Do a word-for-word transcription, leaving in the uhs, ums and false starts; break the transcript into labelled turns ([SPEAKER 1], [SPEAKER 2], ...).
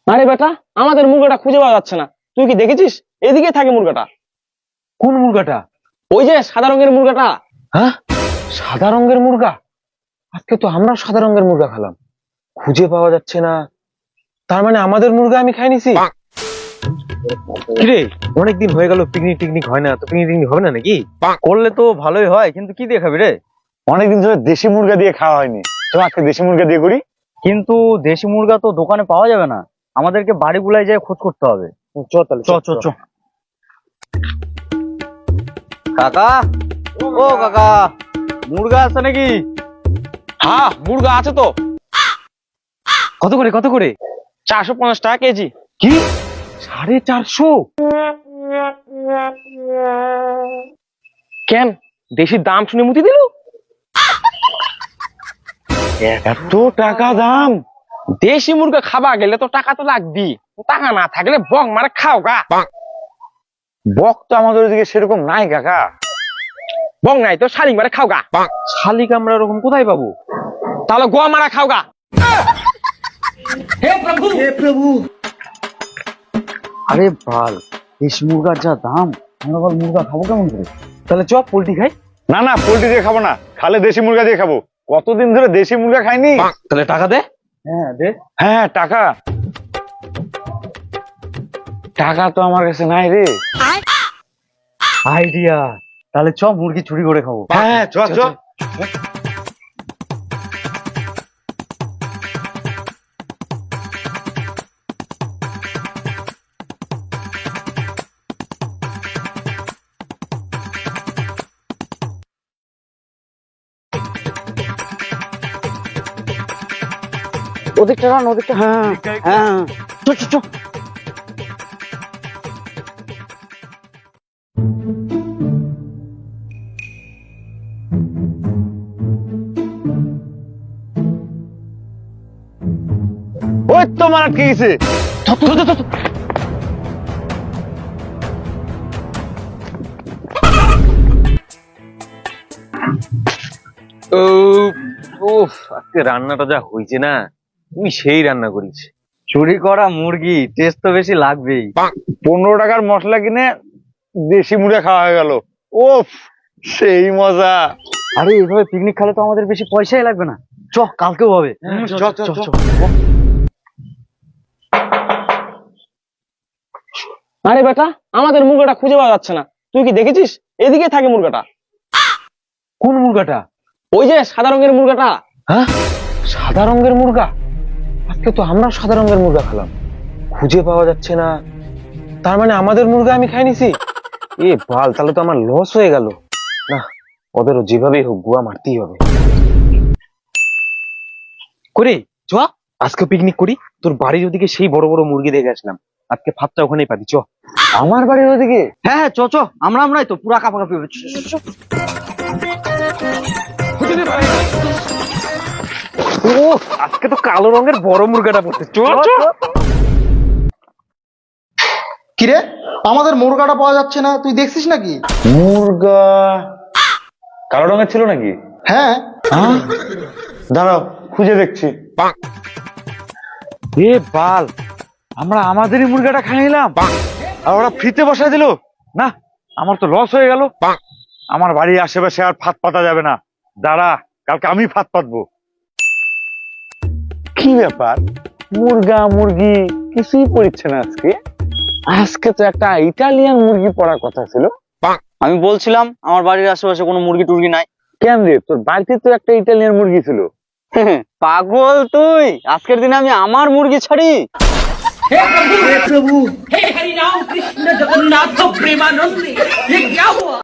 [SPEAKER 1] আরে বেটা, আমাদের মুরগাটা খুঁজে পাওয়া যাচ্ছে না। তুই কি দেখেছিস? এদিকে থাকে মুরগাটা।
[SPEAKER 2] কোন মুরগাটা?
[SPEAKER 1] ওই যে সাদা রঙের মুরগাটা।
[SPEAKER 2] হ্যাঁ, সাদা রঙের মুরগা। আজকে তো আমরা সাদা রঙের মুরগা খেলাম, খুঁজে পাওয়া যাচ্ছে না। তার মানে আমাদের মুরগা আমি খাই নিছি। কিরে, অনেকদিন হয়ে গেল পিকনিক টিকনিক হয় না, তো পিকনিক টিকনিক হবে না নাকি?
[SPEAKER 3] করলে তো ভালোই হয়, কিন্তু কি দিয়ে খাবি রে?
[SPEAKER 4] অনেকদিন ধরে দেশি মুরগা দিয়ে খাওয়া হয়নি, চল আজকে দেশি মুরগা দিয়ে করি।
[SPEAKER 3] কিন্তু দেশি মুরগা তো দোকানে পাওয়া যাবে না, আমাদেরকে বাড়িগুলাই যেয়ে খোঁজ করতে হবে।
[SPEAKER 2] চ তাহলে
[SPEAKER 3] চ চ চ কাকা, ও কাকা, মুরগা আছে নাকি?
[SPEAKER 1] হ্যাঁ, মুরগা আছে তো।
[SPEAKER 2] কত করে কত করে?
[SPEAKER 1] চারশো পঞ্চাশ টাকা কেজি।
[SPEAKER 2] কি সাড়ে চারশো?
[SPEAKER 1] কেন, দেশির দাম শুনে মুতি দিল?
[SPEAKER 4] এত টাকা দাম?
[SPEAKER 1] দেশি মুরগা খাবা গেলে তো টাকা তো লাগবি, টাকা না থাকলে বক মারে খাও গা।
[SPEAKER 4] বক তো আমাদের ওদিকে সেরকম নাই কাকা।
[SPEAKER 1] বক নাই তো শালিক মারে খাও গা।
[SPEAKER 2] শালিক আমরা ওরকম কোথায় পাবো?
[SPEAKER 1] তাহলে গোয়া মারা খাও গা।
[SPEAKER 3] আরে বাল, দেশি মুরগার যা দাম, আমরা বল মুরগা খাবো কেমন করে?
[SPEAKER 2] তাহলে চ পোল্ট্রি খাই।
[SPEAKER 4] না না, পোল্ট্রি দিয়ে খাবো না, খালে দেশি মুরগা দিয়ে খাবো। কতদিন ধরে দেশি মুরগা খাইনি।
[SPEAKER 2] তাহলে টাকা দে।
[SPEAKER 3] হ্যাঁ দে।
[SPEAKER 4] হ্যাঁ, টাকা টাকা তো আমার কাছে নাই রে।
[SPEAKER 3] আইডিয়া, তাহলে চ মুরগি চুরি করে খাবো।
[SPEAKER 4] হ্যাঁ, চ চ।
[SPEAKER 3] ওদিকটা রান, ওদিকটা। হ্যাঁ হ্যাঁ, চ চ চ।
[SPEAKER 4] ওই তো মারা কি গেছে।
[SPEAKER 2] উফ, আজকে রান্নাটা যা হয়েছে না, তুমি সেই রান্না করিস।
[SPEAKER 3] চুরি করা মুরগি, টেস্ট তো বেশি লাগবেই।
[SPEAKER 4] পনেরো টাকার মশলা কিনে দেশি মুরগা খাওয়া হয়ে গেল। ওফ, সেই মজা।
[SPEAKER 3] আরে এইভাবে পিকনিক খেলে তো আমাদের বেশি পয়সাই লাগবে না। চ, কালকেও হবে।
[SPEAKER 4] চ চ চ।
[SPEAKER 1] আরে বেটা, আমাদের মুরগাটা খুঁজে পাওয়া যাচ্ছে না। তুই কি দেখেছিস? এদিকে থাকে মুরগাটা।
[SPEAKER 2] কোন মুরগাটা?
[SPEAKER 1] ওই যে সাদা রঙের মুরগাটা।
[SPEAKER 2] হ্যাঁ, সাদা রঙের মুরগা। আজকে তো আমরা সাদা রঙের মুরগা খেলাম, খুঁজে পাওয়া যাচ্ছে না। তার মানে আমাদের মুরগা আমি খাই নিছি। এ বাল, তাহলে তো আমার লস হয়ে গেল। না, ওদেরও যেভাবেই হোক গুয়া মারতেই হবে। করে চ, আজকে পিকনিক করি। তোর বাড়ির ওদিকে সেই বড় বড় মুরগি দেখে আসলাম, আজকে ভাতটা ওখানেই পাবি। চ।
[SPEAKER 4] আমার বাড়ির ওদিকে?
[SPEAKER 3] হ্যাঁ হ্যাঁ, চ চ, আমরা আমরাই তো পুরা কাপাকাপি হবে। চ, চ, চ, চ।
[SPEAKER 2] ও, আজকে তো কালো রঙের বড় মুরগাটা পড়ছে। চ চ।
[SPEAKER 5] কিরে, আমাদের মুরগাটা পাওয়া যাচ্ছে না, তুই দেখছিস নাকি?
[SPEAKER 4] মুরগা কালো রঙের ছিল নাকি?
[SPEAKER 5] হ্যাঁ।
[SPEAKER 4] হ্যাঁ, দাঁড়াও খুঁজে দেখছি।
[SPEAKER 2] এ বাল, আমরা আমাদেরই মুরগাটা খাই নিলাম আর ওরা ফ্রিতে বসায় দিল। না, আমার তো লস হয়ে গেল।
[SPEAKER 4] আমার বাড়ির আশেপাশে আর ফাঁদ পাতা যাবে না। দাঁড়া, কালকে আমি ফাঁদ পাতবো। কি ব্যাপার, মুরগা মুরগি কিছুই পড়ছে না আজকে। আজকে তো একটা ইটালিয়ান মুরগি পড়ার কথা ছিল।
[SPEAKER 3] আমি বলছিলাম আমার বাড়ির আশেপাশে কোনো মুরগি টুরগি নাই।
[SPEAKER 4] কেন রে, তোর বাড়িতে তো একটা ইটালিয়ান মুরগি ছিল।
[SPEAKER 3] পাগল তুই, আজকের দিনে আমি আমার মুরগি ছাড়ি।
[SPEAKER 6] हे हरि राम कृष्ण जगन्नाथ प्रेमानंद, ये क्या हुआ?